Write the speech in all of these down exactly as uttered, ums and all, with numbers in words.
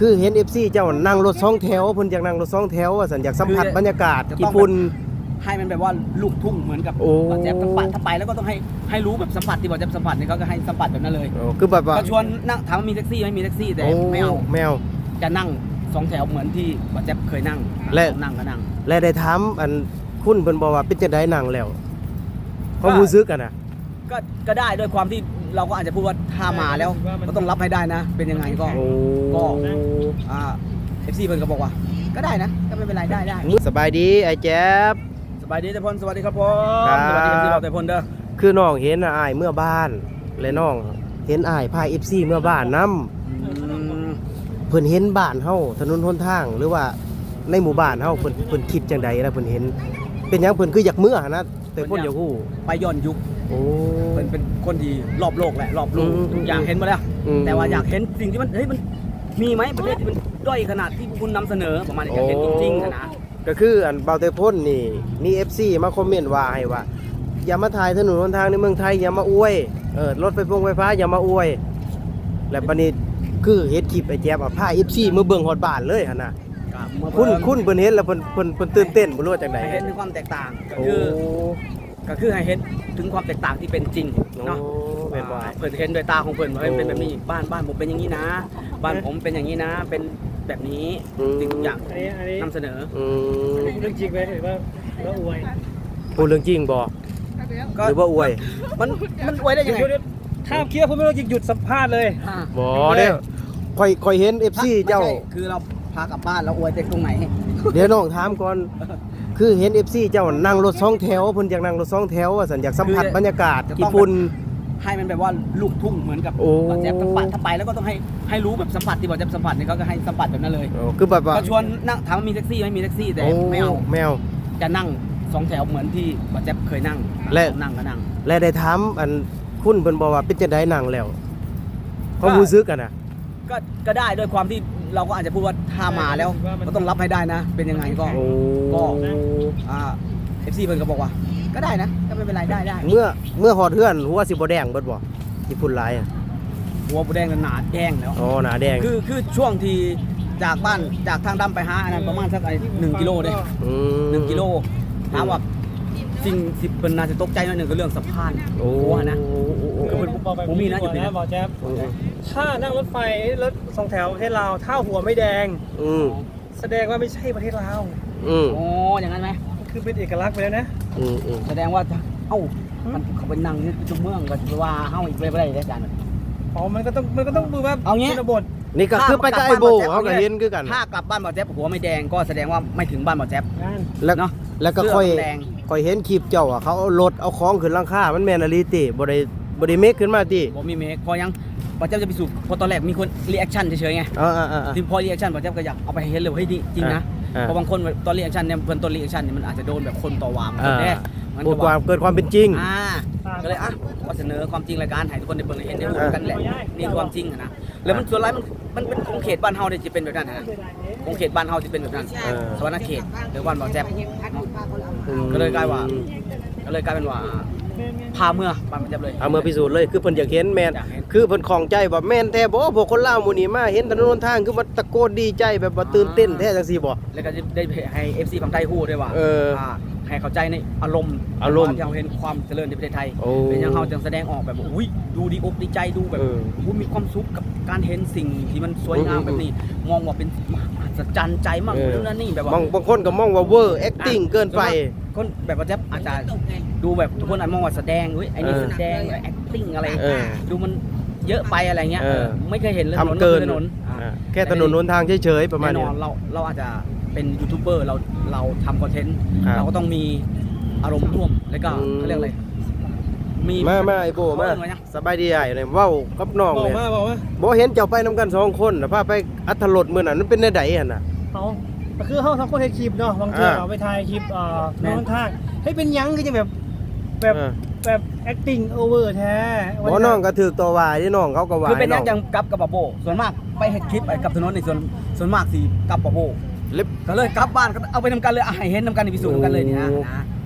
คือเห็น เอฟ ซี เจ้านั่งรถสองแถวเพิ่นอยากนั่งรถสองแถวว่าซั่นอยากสัมผัสบรรยากาศญี่ปุ่นให้มันแบบว่าลูกทุ่งเหมือนกับบ่แจ๊บสัมผัสถ้าไปแล้วก็ต้องให้ให้รู้แบบสัมผัสที่บ่แจ๊บสัมผัสเนี่ยเขาก็ให้สัมผัสแบบนั้นเลยคือแบบว่าก็ชวนนั่งถามว่ามีแท็กซี่ไหมมีแท็กซี่แต่ไม่เอาไม่เอาจะนั่งสองแถวเหมือนที่บ่แจ๊บเคยนั่งและนั่งก็นั่งและได้ถามอันคุณเพิ่นบอกว่าเป็นจังได๋นั่งแล้วความรู้สึกกันน่ะก็ก็ได้ด้วยความที่เราก็อาจจะพูดว่าถ้ามาแล้วก็ต้องรับให้ได้นะเป็นยังไงก็ก็อ่า เอฟ ซี เพิ่นก็บอกว่าก็ได้นะก็ไม่เป็นไรได้ได้สบายดีไอ้แจ๊บสบายดีแต่พลสวัสดีครับผมสวัสดีครับที่เราแต่พลเด้อคือน้องเห็นอ้ายเมื่อบ้านและน้องเห็นอ้ายพา เอฟ ซี เมื่อบ้านนำเพิ่นเห็นบ้านเฮาถนนหนทางหรือว่าในหมู่บ้านเฮาเพิ่นเพิ่นคิดจังใดนะเพิ่นเห็นเป็นหยังเพิ่นคืออยากเมื่อนะแต่คนอยากฮู้ไปย้อนยุคโอ้เพิ่นเป็นคนที่รอบโลกแหละรอบโลกอยากเห็นมาแล้วแต่ว่าอยากเห็นสิ่งที่มันเฮ้ยมันมีไหมประเทศที่มันด้อยขนาดที่คุณนำเสนอประมาณนี้อยากเห็นจริงๆนะก็คืออันเบาเตพ่นนี่มี เอฟ ซี มาคอมเมนต์ว่าให้ว่าอย่ามาถ่ายถนนหนทางในเมืองไทยอย่ามาอวยเออรถไฟฟ้าไฟฟ้าอย่ามาอวยและบัดนี้คือเฮ็ดคลิปไอ้แจ๊บอ่ะพา เอฟ ซี มาเบิ่งฮอดบ้านเลยหั่นน่ะคุณคุณเพิ่นเห็นแล้วเพิ่นเพิ่นเพิ่นตื่นเต้นบ่รู้ว่าจังได๋เห็นถึงความแตกต่างก็คือก็คือให้เห็นถึงความแตกต่างที่เป็นจริงเนาะเพิ่นเห็นด้วยตาของเพิ่นว่าเป็นแบบนี้บ้านบ้านผมเป็นอย่างนี้นะบ้านผมเป็นอย่างนี้นะเป็นแบบนี้สิ่งทุกอย่างนำเสนอเรื่องจริงไหมหรือว่าว่าอวยพูดเรื่องจริงบ่หรือว่าอวยมันมันอวยได้ยังไงถ้าเคลียร์ผมไม่ต้องหยุดสัมภาษณ์เลยบ่เด้อค่อยค่อยเห็น เอฟ ซี เจ้าคือเราพากลับบ้านแล้วอวยแต่ตรงไหนเดี๋ยวน้องถามก่อนคือเห็น เอฟ ซี เจ้านั่งรถสองแถวเพิ่นอยากนั่งรถสองแถวว่าซั่นอยากสัมผัสบรรยากาศญี่ปุ่นให้มันแบบว่าลูกทุ่งเหมือนกับบ่แจ๊บสัมผัสถ้าไปแล้วก็ต้องให้ให้รู้แบบสัมผัสที่บ่แจ๊บสัมผัสเนี่ยเขาก็ให้สัมผัสแบบนั้นเลยคือแบบว่าก็ชวนนั่งถามว่ามีแท็กซี่ไหมมีแท็กซี่แต่ไม่เอาไม่เอาจะนั่งสองแถวเหมือนที่บ่แจ๊บเคยนั่งและนั่งก็นั่งและได้ถามอันคุณเพิ่นบอกว่าเป็นจังได๋นั่งแล้วความรู้สึกกันน่ะก็ก็ได้ด้วยความที่เราก็อาจจะพูดว่าถ้ามาแล้วก็ต้องรับให้ได้นะเป็นยังไงก็ก็อ่า เอฟ ซี เพิ่นก็บอกว่าก็ได้นะก็ไม่เป็นไรได้ได้เมื่อเมื่อฮอดเฮือนหัวสิบ่แดงเบิดบ่ที่พุ่นหลายอ่ะหัวบ่แดงหนาแดงแล้วอ๋อหนาแดงคือคือช่วงที่จากบ้านจากทางดำไปหาอันนั้นประมาณสักไอ้หนึ่งกิโลเด้อืมหนึ่งกิโลถามว่าสิ่งที่เพิ่นน่าจะตกใจหน่อยนึงก็เรื่องสะพานโอ้โหนะคือเพิ่นบ่มีนะอยู่นี่บ่แจ๊บถ้านั่งรถไฟรถสองแถวประเทศลาวถ้าหัวไม่แดงอืมแสดงว่าไม่ใช่ประเทศลาวอืมอ๋ออย่างนั้นมั้ยคือเป็นเอกลักษณ์ไปแล้วนะอืมแสดงว่าเอ้ามันเขาเป็นนั่งนี่จุเมืองก็ว่าเฮาอีกบ่ได้ได้อาจารย์อ๋อมันก็ต้องมันก็ต้องดูว่าเอางี้บทนี่ก็คือไปกับไอ้โบเขาก็เห็นคือกันถ้ากลับบ้านบ่แจ๊บหัวไม่แดงก็แสดงว่าไม่ถึงบ้านบ่แจ๊บแล้วเนาะแล้วก็ค่อยค่อยเห็นคลิปเจ้าอ่ะเขาเอารถเอาของขึ้นหลังคามันแม่นอลีติบ่ได้บ่ได้เมคขึ้นมาติบ่มีเมคพอยังบ่แจ๊บจะไปสู่พอตอนแรกมีคนรีแอคชั่นเฉยๆไงเออๆๆทีพอรีแอคชั่นบ่แจ๊บก็อยากเอาไปเห็นเลยเฮ้ยจริงนะเพราะบางคนตอนรีแอคชั่นเนี่ยเพิ่นตอนรีแอคชั่นเนี่ยมันอาจจะโดนแบบคนต่อว่ามันแน่มันก็ความเกิดความเป็นจริงอ่าก็เลยอ่ะก็เสนอความจริงรายการให้ทุกคนได้เบิ่งเห็นได้รู้กันแหละนี่ความจริงนะแล้วมันส่วนหลายมันมันเป็นของเขตบ้านเฮาเนี่ยจะเป็นแบบนั้นนะของเขตบ้านเฮาจะเป็นแบบนั้นสวรรณเขตหรือบ้านบ่อแจ๊บก็เลยกลายว่าก็เลยกลายเป็นว่าพาเมื่อบ้านบ่อแจ๊บเลยพาเมื่อพิสูจน์เลยคือเพิ่นอยากเห็นแม่นคือเพิ่นของใจว่าแม่นแท้บ่พวกคนลาวหมู่นี้มาเห็นถนนทางคือมันตะโกนดีใจแบบว่าตื่นเต้นแท้จังซี่บ่แล้วก็ได้ให้ เอฟ ซี ฝั่งไทยฮู้ด้วยว่าให้เข้าใจในอารมณ์อารมณ์ที่เราเห็นความเจริญในประเทศไทยเป็นอย่างเราจึงแสดงออกแบบอุ้ยดูดีอกดีใจดูแบบอุ้ยมีความสุขกับการเห็นสิ่งที่มันสวยงามแบบนี้มองว่าเป็นมหัศจรรย์ใจมากเรื่องนั้นนี่แบบว่าบางคนก็มองว่าเวอร์แอคติ้งเกินไปคนแบบว่าจะอาจจะดูแบบทุกคนอาจมองว่าแสดงอุ้ยไอ้นี่แสดงแอคติ้งอะไรดูมันเยอะไปอะไรเงี้ยไม่เคยเห็นเลยถนนถนนแค่ถนนนทางเฉยๆประมาณนี้เราเราอาจจะเป็นยูทูบเบอร์เราเราทำคอนเทนต์เราก็ต้องมีอารมณ์ร่วมแล้วก็เขาเรียกอะไรมีมามาไอ้โบมาสบายดีไอ้เนี่ยว้าวกับน้องเนี่ยบ่เห็นเจ้าไปนำกันสองคนน่ะพาไปอัธรสมื้อนั้นมันเป็นแนวใดหั่นน่ะเอ้าก็คือเฮาทั้งคนเฮ็ดคลิปเนาะบางทีเราไปถ่ายคลิปเอ่อโน้นทางเฮ้ยเป็นหยังคือจังแบบแบบแบบ acting over แท้บ่น้องก็ถูกตัวว่าที่น้องเขาก็ว่าคือเป็นหยังจังกับกับบ่โบส่วนมากไปเฮ็ดคลิปกับถนนนี่ส่วนส่วนมากสิกับบ่โบก็เลยกลับบ้านก็เอาไปนำกันเลยให้เห็นนำกันพิสูจน์นำกันเลยนี่นะก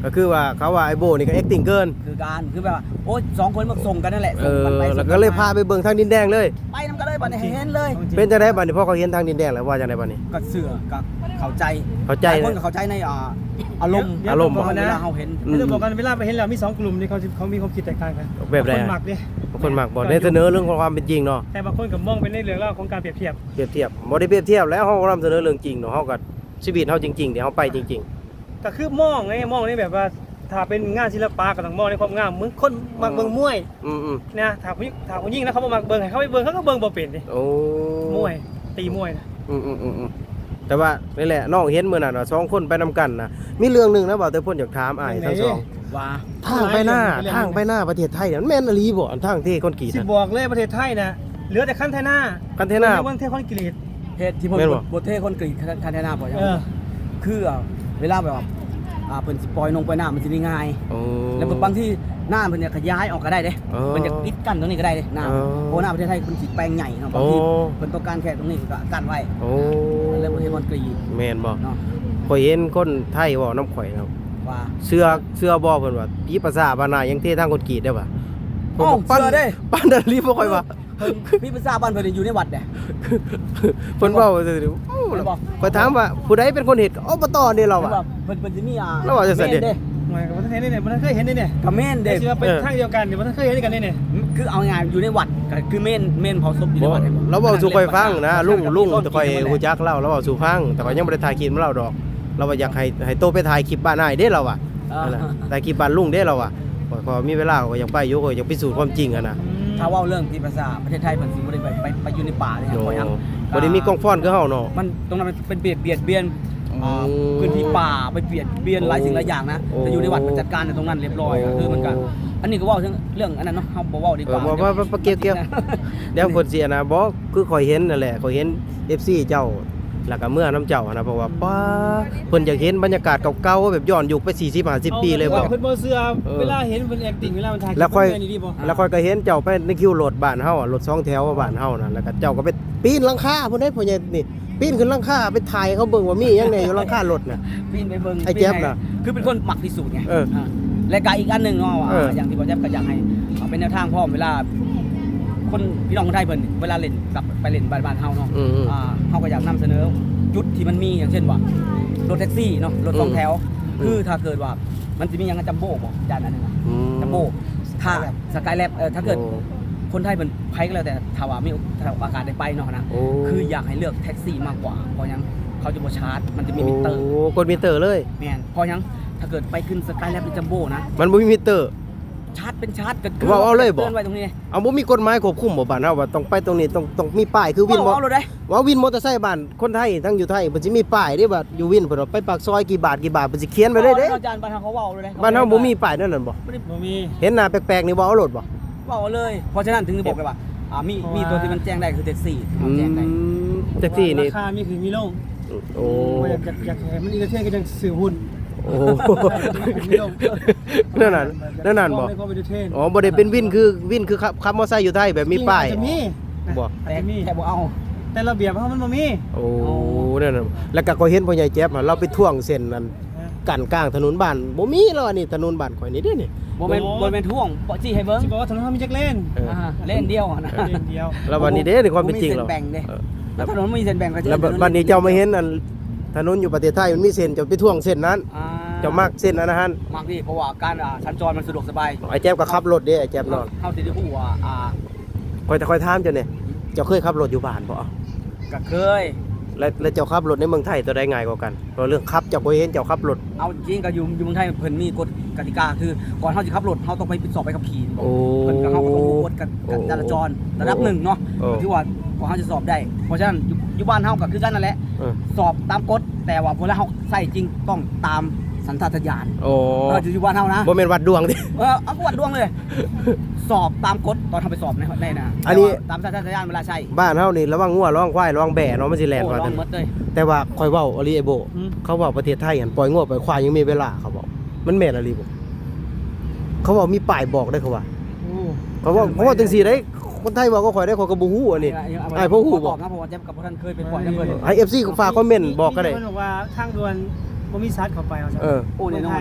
ก็คือว่าเขาว่าไอ้โบนี่ก็ acting เกินคือการคือแบบว่าโอ้ยสองคนมาส่งกันนั่นแหละเอส่งอกันไปแล้วส่งก็เลยมพาไปเบิ่งทางดินแดงเลยไปนำกันเลยบัดนี้ให้เห็นเลยเป็นจังได๋บัดนี้พอเขาเห็นทางดินแดงแล้วว่าจังได๋บัดนี้ก็เสือกับเข้าใจเข้าใจหลยคนก็เข้าใจในอ่าอารมณ์เดี๋ยวอารมณ์เดี๋ยวเวนะลาเขาเห็นอืมไม่ต้องบอกกันเวลาไปเห็นแล้วมีสองกลุ่มที่เขาเขามีความคิดแตกต่างกันแบบใดบางคนหมักดิบางคนมักบ่ได้เสนอเรื่องของความเป็นจริงเนาะแต่บางคนก็มองเป็นในเรื่องเล่าวของการเปรียบเทียบเปรียบเทียบบ่ได้เปรียบเทียบแล้วเฮานำเสนอเรื่องจริงเนาะเฮาก็ชีวิตเฮาจริงๆเดี๋ยวเฮาไปจริงก็คือมองไงมองนี่แบบว่าถ้าเป็นงานศิลปะก็ต้องมองในความงามมึงคนมักเบิ่งมวยๆ อืมนะถ้าผู้หญิงถ้าผู้หญิงนะเขาบ่มักเบิ่งให้เขาไปเบิ่งเขาก็เบิ่งบ่เป็นดิๆโอ้มวยตีมวยนะอืมๆๆๆแต่ว่านี่แหละน้องเห็นมื้อนั้นน่ะสองคนไปนำกันน่ะมีเรื่องหนึงนะบ่าวแต่เพิ่นอยากถามอ้ายทั้งสองว่าทางไปหน้าทางไปหน้าประเทศไทยเนี่ยมันแม่นอีหลีบ่อันทางที่คอนกรีตสิน่ะบอกเลยประเทศไทยนะเหลือแต่ขั้นไทยหน้าคันเทน่าวันเทคอนกรีตเหตุที่ผมแม่นบ่บทเทคนกรีดทันทนาบ่ยังเออคืออ่ะเวลาแบบว่าอ่าเพิ่นสิปล่อยนงปล่อยน้ามันสิได้ง่ายโอ้แล้วบางที่หน้าเพิ่นเนี่ยขยายออกก็ได้เด้เออเพิ่นจะปิดกั้นตรงนี้ก็ได้เด้หน้าเออเพราะหน้าประเทศไทยเพิ่นสิแปลงใหญ่เนาะบางทีโอ้เพิ่นต้องการแค่ตรงนี้ก็กั้นไว้โอ้แล้วประเทศคอนกรีตแม่นบ่เนาะข่อยเห็นคนไทยเว้าน้ำข่อยนะว่าเสื้อเสื้อบ่เพิ่นว่าผีภาษาบ้านนายังเททางคอนกรีตได้ป่ะอ้าวปั้นเสื้อเด้ปั้นดันรีบ่ค่อยว่าเพิ่นพี่ภาษาบ้านเพิ่นอยู่ในวัดเด้เพิ่นเว้าซื่อๆโอ้เพิ่นบอกข่อยถามว่าผู้ใดเป็นคนเฮ็ดอบตนี่เราเพิ่นอ่ะว่าเพิ่นเพิ่นสิมีอ่าแล้วว่าจะเสด็จเด้หมายกับว่าท่านเห็นได้เนี่ยมันเคยเห็นได้เนี่ยกับเมนแต่เด้สิว่าเป็นเออทางเดียวกันเดี๋ยวมันเคยเห็นด้วยกันได้เนี่ยคือเอาง่ายๆอยู่ในวัดก็คือเมนเมนเผาศพอยู่ในบ่วัดห็นบ่เราเว้าสู่ข่อยฟังนะลุงลุงต้นแต่ข่อยกินหมดฮู้แหละจักเล่าเราเว้าสู่ฟังแต่ข่อยยังบ่ได้ถ่ายคลิปมาเล่าดอก เราว่าอยากให้ให้โตไปถ่ายคลิปบ้านอ้ายเด้เราอ่ะเออนั่นน่ะถ่ายคลิปบ้านลุงเด้เราอ่ะข่อยพอมีเวลาก็อยากไปอยู่ก็อยากพิสูจน์ความจริงอะนะถ้าเว่าเรื่องที่ภาษาประเทศไทยมันสิบ่ได้ไปไปไปอยู่ในป่าเลยครับโอ้เพราะหยังบ่ได้มีกล้องฟ้อนคือเฮาเนาะมันตรงนั้นมันเป็นเบียดเบียดเบียนอ่าอืมพื้นที่ป่าไปเบียดเบียนหลายสิ่งหลายอย่างนะโอ้แต่อยู่ในวัดมันจัดการในตรงนั้นเรียบร้อยอะโอ้คือมันก็อันนี้ก็เว่าถึงเรื่องอันนั้นเนาะเฮาบ่เว้าดีกเออว่าบ่ว่าว่าเกี่ยวเกี่ยวเดี๋ยวคนเสียนะบ่คือข่อยเห็นนั่นแหละข่อยเห็น เอฟ ซี เจ้าแล้วก็เมื่อน้ำเจ้านะเพราะว่าป้าเพิ่นอยากเห็นบรรยากาศเก่าๆแบบย้อนยุคไปสี่สิบ ห้าสิบปีเลยบ่เพิ่นบ่เสื้อเออเวลาเห็นเพิ่น acting เวลามันถ่ายแล้วค่อยเพิ่นนี่ดีบ่แล้วค่อยก็เห็นเจ้าไปในคิวรถบ้านเฮาอะรถสองแถวบ้านเฮาน่ะแล้วก็เจ้าก็ไปปีนหลังคาพุ่นได้พ่อใหญ่นี่ปีนขึ้นหลังคาไปถ่ายเขาเบิ่งว่ามีหยังแหน่อยู่หลังคารถน่ะปีนไปเบิ่งไอ้แจ๊บน่ะคือเป็นคนมักพิสูจน์ไงเอออ่าและก็อีกอันหนึงเนาะว่าเอออย่างที่บ่แจ๊บก็อยากให้เอาเป็นแนวทางพร้อมเวลา คนพี่น้องคนไทยเพิ่นเวลาเล่นกลับไปเล่นบ้านบ้านเฮาเนาะอืมๆอ่าเฮาก็อยากนำเสนอจุดที่มันมีอย่างเช่นว่ารถแท็กซี่เนาะรถสองแถวอืมคือถ้าเกิดว่ามันจะมีอย่างจัมโบ้บ่จานอันนึงนะอืมจัมโบ้ถ้าสกายแลบเออถ้าเกิดโอ้คนไทยเป็นไผก็แล้วแต่ถ้าว่ามีถ้าโอกาสได้ไปเนาะนะโอ้คืออยากให้เลือกแท็กซี่มากกว่าเพราะหยังเขาจะบ่ชาร์จมันจะมีมิเตอร์โอ้กดมิเตอร์เลยแม่นเพราะหยังถ้าเกิดไปขึ้นสกายแลบหรือจัมโบ้นะมันบ่มีมิเตอร์ชาร์จเป็นชาร์จก็ว่าเอาเลยบ่เตือนไว้ตรงนี้เอาบ่มีกฎหมายควบคุมบ่บ้านเฮาว่าต้องไปตรงนี้ต้องต้องมีป้ายคือวินเอาบ่เอาเลยได้ว่าวินมอเตอร์ไซค์บ้านคนไทยทั้งอยู่ไทยเพิ่นสิมีป้ายเด้ว่าอยู่วินเพิ่นว่าไปปากซอยกี่บาทกี่บาทเพิ่นสิเขียนไว้เลยเด้อาจารย์บ้านเฮาเขาเว้าเลยได้บ้านเฮาบ่มีป้ายนั่นน่ะบ่บ่มีเห็นหน้าแปลกๆนี่บ่เอารถบ่เว้าเลย เพราะฉะนั้นถึงจะบอกเลยว่าอ่ามีเพราะว่ามีมีตัวที่มันแจ้งได้คือแท็กซี่ที่อืมันแจ้งได้มแท็กซี่นี่ราคามีคือมีลงโอ้อยากอยากอยากให้มันอีกเท่ก็จังซื้อหุ้นโอ้นั่นน่ะนั่นน่ะบ่ไม่พอไปดูเทรนอ๋อบ่ได้เป็นวินคือวินคือขับขับมอเตอร์ไซค์อยู่ไทยแบบมีป้ายจะมีบ่อาจแต่จะมีแต่บ่เอาแต่ระเบียบเขามันบ่มีโอ้นั่นน่ะแล้วก็ก็เห็นพ่อใหญ่แจ๊บอะเราไปท่วงเส้นนั้นกั้นกลางถนนบ้านบ่มีแล้วอันนี้ถนนบ้านข่อยนี่เด้นี่บ่แม่นบ่แม่นท่วงบ่จี้ให้เบิ่งสิบอกว่าถนนเขามีจักเลนเอออ่าเล่นเดียวอะนะเลนเดียวแล้ววันนี้เด้ในความเป็นจริงบ่แล้มีวเส้นแบ่งเด้เออแล้วถนนไม่มีเส้นแบ่งก็จะแล้วบัดนี้เจ้ามาเห็นอันถนนอยู่ประเทศไทยมันมีเส้นเจ้าไปท่วงเส้นนั้นอ่าเจ้ามักเส้นนั้นนะฮะมักดิเพราะว่าการอ่าสัญจรมันสะดวกสบายไอ้แจ๊บก็ขับรถเด้ไอ้แจ๊บนอนเฮาสิได้ฮู้ว่าอ่าคอยแต่คอยถามเจ้าเนี่ยเจ้าเคยขับรถอยู่บ้านบ่ก็เคยแล้วแล้วเจ้าขับรถในเมืองไทยตัวใดง่ายกว่ากันเพราะเรื่องขับเจ้าบ่เห็นเจ้าขับรถเอาจริงก็อยู่อยู่เมืองไทยเพิ่นมีกฎกติกาคือก่อนเฮาสิขับรถเฮาต้องไปสอบใบขับขี่บอกโอ้เพิ่นก็เฮาก็ต้องรู้กฎกันโอ้จราจรระดับหนึ่งเนาะโอ้ที่ว่าพอเฮาจะสอบได้ เพราะฉะนั้นอยู่อยู่บ้านเฮาก็คือกันนั่นแหละเออสอบตามกฎแต่ว่าเวลาเฮาใส่จริงต้องตามสัญชาตญาณโอ้เอออยู่บ้านเฮานะบ่แม่นวัดดวงดิเออเอากวดดวงเลย สอบตามกฎตอนทำไปสอบในในนะอันนี้แต่ว่าตามสัญชาตญาณเวลาใช่บ้านเฮานี่ระวังงัวระวังควายระวังแบะเนาะมันสิแล่นโอ้ว่าลอแต่งหมดเลยแต่ว่าคอยเว้าอลีไอโบอืมเขาบอกประเทศไทยหันปล่อยงัวปล่อยควายยังมีเวลาเขาบอกมันแม่นอะไรบ่เขาบอกมีป้ายบอกได้เขาว่าโอ้เขาบอกเขาบอกจังซี่ได้คนไทยบอกก็ข่อยได้ข่อยก็บ่ฮู้อันนี้ ไอ้พวกหูบบ่อกนะเพราะว่าเจ๊กับพวกท่านเคยไปปล่อยน้ำเงินให้ เอฟ ซี ฝากคอมเมนต์บอกก็ได้มีคนบอกว่าทางด่วนบ่มีซัดเข้าไปเอาซะเออโอ้แน่นอนใช่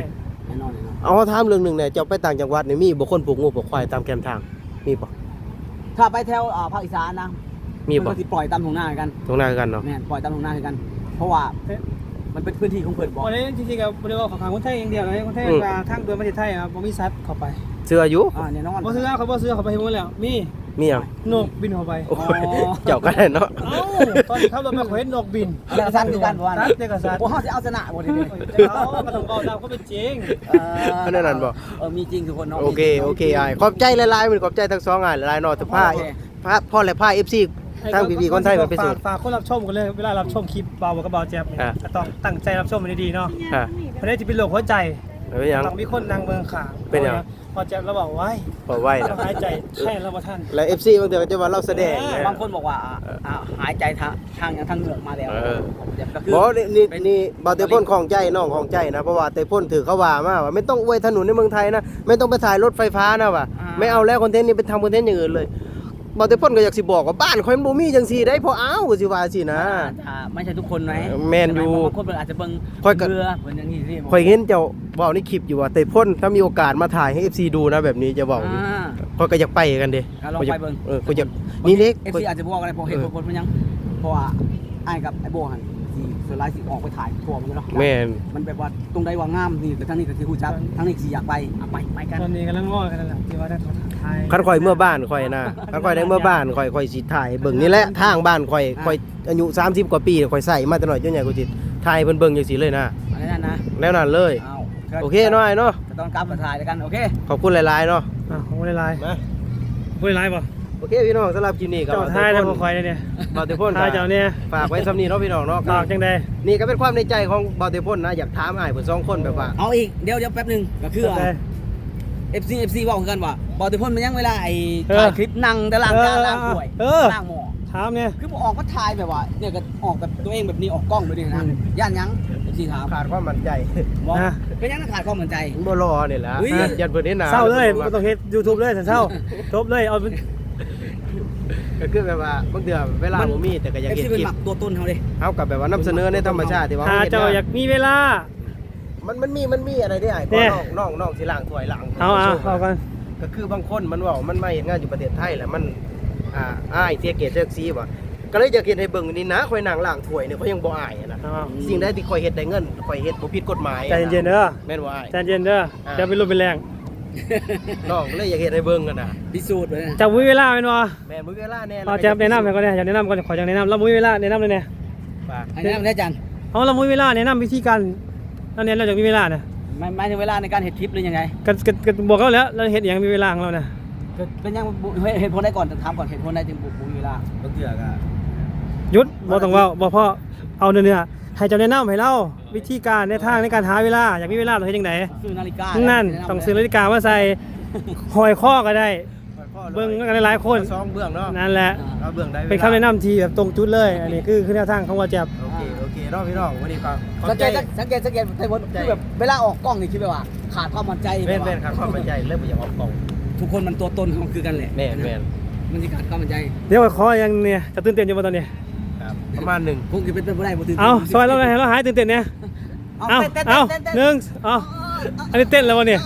แน่นอนแน่นอนเอาถามเรื่องหนึงเนี่ยเจ้าไปต่างจังหวัดนี่มีบ่คนปลูกงูปลูกควายตามแคมทางมีบ่ถ้าไปแถวอ่าภาคอีสานนะมีบ่นก็สิปล่อยตามทุ่งนากันตรงหน้ากันเนาะแม่นปล่อยตามทุ่งนากัน เพราะว่ามันเป็นพื้นที่ของเพิ่นบ่วันนี้จริงๆก็บ่ได้ว่าของคนไทยอย่างเดียวนะคนไทยว่าทางเดินประเทศไทยครับบ่มีสัตว์เข้าไปเสื้ออยู่อ่าแน่นอนบ่ซื้อเขาบ่ซื้อเขาไปให้หมดแล้วมีมีหยังนกบินเข้าไปโอ้ยเจ้าก็ได้เนาะเอ้าตอนที่ขับรถไปเขาเห็นนกบินแล้วก็สัตว์คือกันบ่ว่าสันะตว์เด็กกับสัตว์บ่เฮาสิเอาชนะบ่ทีนี้เขาก็ต้องเอาตามเขาเป็นจริงเอออันนั้นนั่นบ่เออมีจริงทุกคนเนาะโอเคโอเคอ้ายขอบใจหลายๆมันขอบใจทั้งสองอ้ายหลายๆเนาะแต่พาโอเคพาพ่อและพา เอฟ ซี ทางพี่ๆคนไทยมาไปสู่ฝากฝากคนรับชมกันเลยเวลารับชมคลิปเบากับเบาแจ๊บเนี่ยอ่าก็ต้องตั้งใจรับชมมันดีๆเนาะอ่ะเพราะนี่จะเป็นโรคหัวใจเป็นหยังต้องมีคนนั่งเมืองขางเป็นหยังพอแจ๊บเราบอกไว้พอไว้ต้อนะงหายใจแค่เราบ่ท่านและ เอฟ ซี บางเทื่อก็จะว่าเราแสดงนะบางคนบอกว่าอ่าอ่าหายใจทางทางทางเหงือกมาแล้วเออก็คือบ่นี่นี่เป็นนี่บ่าวเตพ่นของใจน้องของใจนะเพราะว่าเตพ่นถือเขาว่ามาว่าไม่ต้องอวยถนนในเมืองไทยนะไม่ต้องไปถ่ายรถไฟฟ้านะว่ะอ่าไม่เอาแล้วคอนเทนต์นี้ไปทำคอนเทนต์อย่างอื่นเลยบ่าวเตพ่นก็อยากสิบอกว่าบ้านข่อยมันบ่มีจังซี่ได้พอเอาก็สิว่าสินะอ่าไม่ใช่ทุกคนไหมแม่นอยู่บางคนเพิ่นอาจจะเบิ่งค่อยก็เรือเหมือนอย่างนี้สิข่อยเห็นเจ้าเว้าในคลิปอยู่ว่าเตพ่นถ้ามีโอกาสมาถ่ายให้ เอฟ ซี ดูนะแบบนี้จะเว้าอยู่อ่าข่อยก็อยากไปกันเด้อ่ะลองไปเบิ่งเออข่อยอยากนี่เล็กเอฟซีอาจจะบอกอะไรเพราะเหตุผลมันยัง เพราะว่าไอ้ายกับไอ้โบหันสิส่วนหลายสิออกไปถ่ายทัวร์มันเนาะแม่นมันแบบว่าตรงใดว่างามนี่แต่ทางนี้ก็สิฮู้จักทางนี้สิอยากไปอ่ะไปไปกันตอนนี้กำลังง้อกันนั่นแหละที่ว่าได้ไทยคันข่อยเมื่อบ้านข่อยนะคันข่อยได้เมื่อบ้านข่อยข่อยสิถ่ายเบิ่งนี่แหละทางบ้านข่อยข่อยอายุสามสิบกว่าปีข่อยใส่มาแต่น้อยจนใหญ่กว่าจิตถ่ายเพิ่นเบิ่งจังซี่เลยนะอันนั้นนะแล้วนั่นเลยเอาโอเคเนาะไอ้เนาะก็ต้องกลับมาถ่ายด้วยกันโอเคขอบคุณหลายๆเนาะอ่ะของไม่ได้ไลน์มาไม่ได้ไลน์ป่ะโอเคพี่น้องสำหรับคลิปนี้ก็เจ้าไทยได้บ่คอยเนี่ยบ่าวเตพ่นไทยเจ้าเนี่ยฝากไว้สำนี้เนาะพี่น้องเนาะฝากจังใดนี่ก็เป็นความในใจของบ่าวเตพ่นนะอยากถามอ้ายเพิ่นสองคนแบบว่าเอาอีกเดี๋ยวเดี๋ยวแป๊บหนึงก็คือจังใดเอฟซีเอฟซีบอกคือกันว่าบอลตุพนมันยังเวลาไอ้เออถ่ายคลิปนั่งแต่ล่างจานเออล่างถ้วยเออล่างหม้อถามเนี่ยคือบ่ออกก็ถ่ายแบบว่าเนี่ยก็ออกแบบตัวเองแบบนี้ออกกล้องแบบนี้นะย่านยังเอฟซีถามขาดความมั่นใจบอกนะเป็นยังขาดความมั่นใจบ่รอนี่แหละเฮ้ยยันเพิ่นเห็นหน้าเศร้าเลยบ่ต้องเฮ็ด YouTube เลยฉันเศร้าจบเลยเอาเป็นก็คือแบบว่าบางเดือเวลาบ่มีแต่ก็อยากเอฟเห็นซีเป็คน ลิหปมักตัวตนเขาเลยเฮากับแบบว่านำเสนอในธรรมชาติที่ว่าถ้าเฮ็ดเจ้าอยากมีเวลามันมันมีมันมีอะไรได้อ้ายเนี่ก็ยน้องน้องน้องสิล้างถ้วยล้างเอาเอาเอากันก็คือบางคนมันเว่ามันมาเฮ็ดงานอยู่ประเทศไทยแหละมันอ่าอ้ายเสียเกียรติเสียศักดิ์ศรีบ่ก็เลยอยากเฮ็ดให้เบิ่งนี่นะข่อยนั่งล้างถ้วยเนี่ยเขายังบ่อายอะนะเอาสิ่งใดที่ข่อยเฮ็ดได้เงินข่อยเฮ็ดบ่ผิดกฎหมายใจเย็นๆเด้อแม่นบ่อ้ายใจเย็นเด้อจะเป็นรูปเป็นแรงน้องก็เลยอยากเฮ็ดให้เบิ่งกันน่ะพิสูจน์เลยนะจะมีเวลาแม่นบ่แม่นบ่มีเวลาแน่เอาแจ๊บแนะนำให้ก่อนเนี่ยอยากแนะนำก่อนขออยากแนะนำแล้วมีเวลาแนะนำเลยเนี่ยฝากอันนี้มันได้จันเอาเรามีเวลาแนะนำวิธีการแล้วเนี่ยเราจะมีเวลาเนี่ยไม่ไม่ถึงเวลาในการเห็ดคลิปหรือยังไงก็ก็ก็บอกเขาแล้วเราเห็นอย่างมีเวลาของเราเนี่ยก็เป็นยังบุเหตุผลได้ก่อนถามก่อนเหตุผลได้จึงบุบุมีเวลาบางเทื่อก็หยุดบอกต้องเว่าบอกพ่อเอาเนื้อเนื้อให้เจ้าแนะนำให้เราวิธีการในทางในการหาเวลาอยากมีเวลาเราเฮ็ดจังไดซื้อนาฬิกานั่นต้องซื้อนาฬิกามาใส่หอยข้อก็ได้เบิ่งกันหลายๆคนสองเบื้องเนาะนั่นแหละเอาเบื้องได้วลาเป็นคำแนะนำที่แบบตรงจุดเลย อันนี้คือคือแนวทางของว่าแจ๊บโอเคโอเคเนาะพี่น้องวันนี้ก็ขอบสังใจเกตสังเกตสังเกตไทยพลคือแบบเวลาออกกล้องนี่คิดแบบว่าขาดความมั่นใจแม่นแม่นครับความมั่นใจเริ่มบ่อยากออกกล้องทุกคนมันตัวตนของคือกันแหละแม่นแม่นมันจะขาดความมั่นใจเดี๋ยวขออย่างเนี่ยจะตื่นเต้นอยู่บ่ตอนนี้ครับประมาณหนึ่งคงจะเป็นไปไม่ได้บ่ตื่นเอาซอยเราเลยให้เราหายตื่นเต้นเนี่ยเอาเอาเต้นเอาเต้นเต้นหนึ่งเอาอันนี้เต้นแล้ววะเนี่ย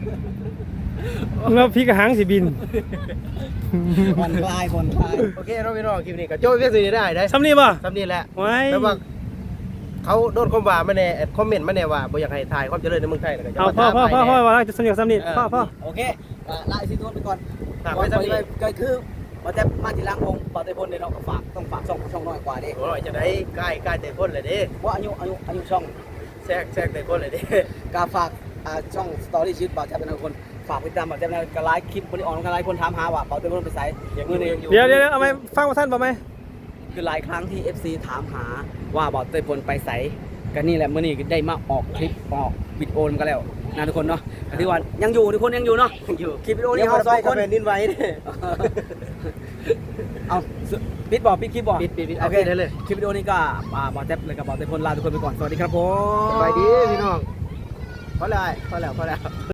แล้วพี่กระหังสิบินผ่อนคลายผ่อนคลายโอเคเนาะพี่น้องคลิปนี้ก็จบเพียงเท่านี้ได้ได้ซ้ำนี่ป่ะสำนี้แหละไว้แต่ว่าเขาโดนคอมว่ามาแน่คอมเมนต์มาแน่ว่าบ่อยากให้ถ่ายความเจริญในเมืองไทยแล้วก็จะเอามาพ่อถามพ่อพ่อให้พ่อแน่ว่าจะสนิทกับซ้ำนี่พ่อพ่อโอเคอ่ะลาไอซีทุนไปก่อนฝากไว้สำนี้ก็คือว่าแต่มาทีหลังวงปอเตพลเนี่ยเราก็ฝากต้องฝากช่องช่องน้อยกว่าดิโอ้ยจะได้ใกล้ใกล้แต่คนเลยเด้ว่าอายุอายุอายุช่องแทรกแทรกแต่คนเลยเด้การฝากอ่าช่องสตอรี่ชีวิตบ่าวแจ๊บเป็นคนฝากติดตามบ่าวแจ๊บในกระไลฟ์คลิปบริออนกระไลฟ์คนถามหาว่าปอเตพลไปไสยังอมือนี้ยังอยู่เดี๋ยวเดี๋ยวเอาไหมฟังว่าท่านป่ะไหมคือหลายครั้งที่ เอฟ ซี ถามหาว่าบ่าวเตพลไปไสก็นี่แหละมื้อนี้ได้มาออกคลิปออกวิดีโอมันก็แล้วนะทุกคนเนาะก็ถือว่ายังอยู่ทุกคนยังอยู่เนาะยังอยู่คลิปวิดีโอยันี้งเฮาบ่สได้องไปคกับนแผ่นดินไหวเด้เอาปิดบ่ปิดคลิปบ่ปิดปิดปิดโอโอเคเคได้เลยคลิปวิดีโอนี้ก็อ่าบ่าวแจ๊บเลยกับบ่าวเตพลลาทุกคนไปก่อนสวัสดีครับผมสบายดีพี่น้องพอแล้วพอแล้วพอแล้ว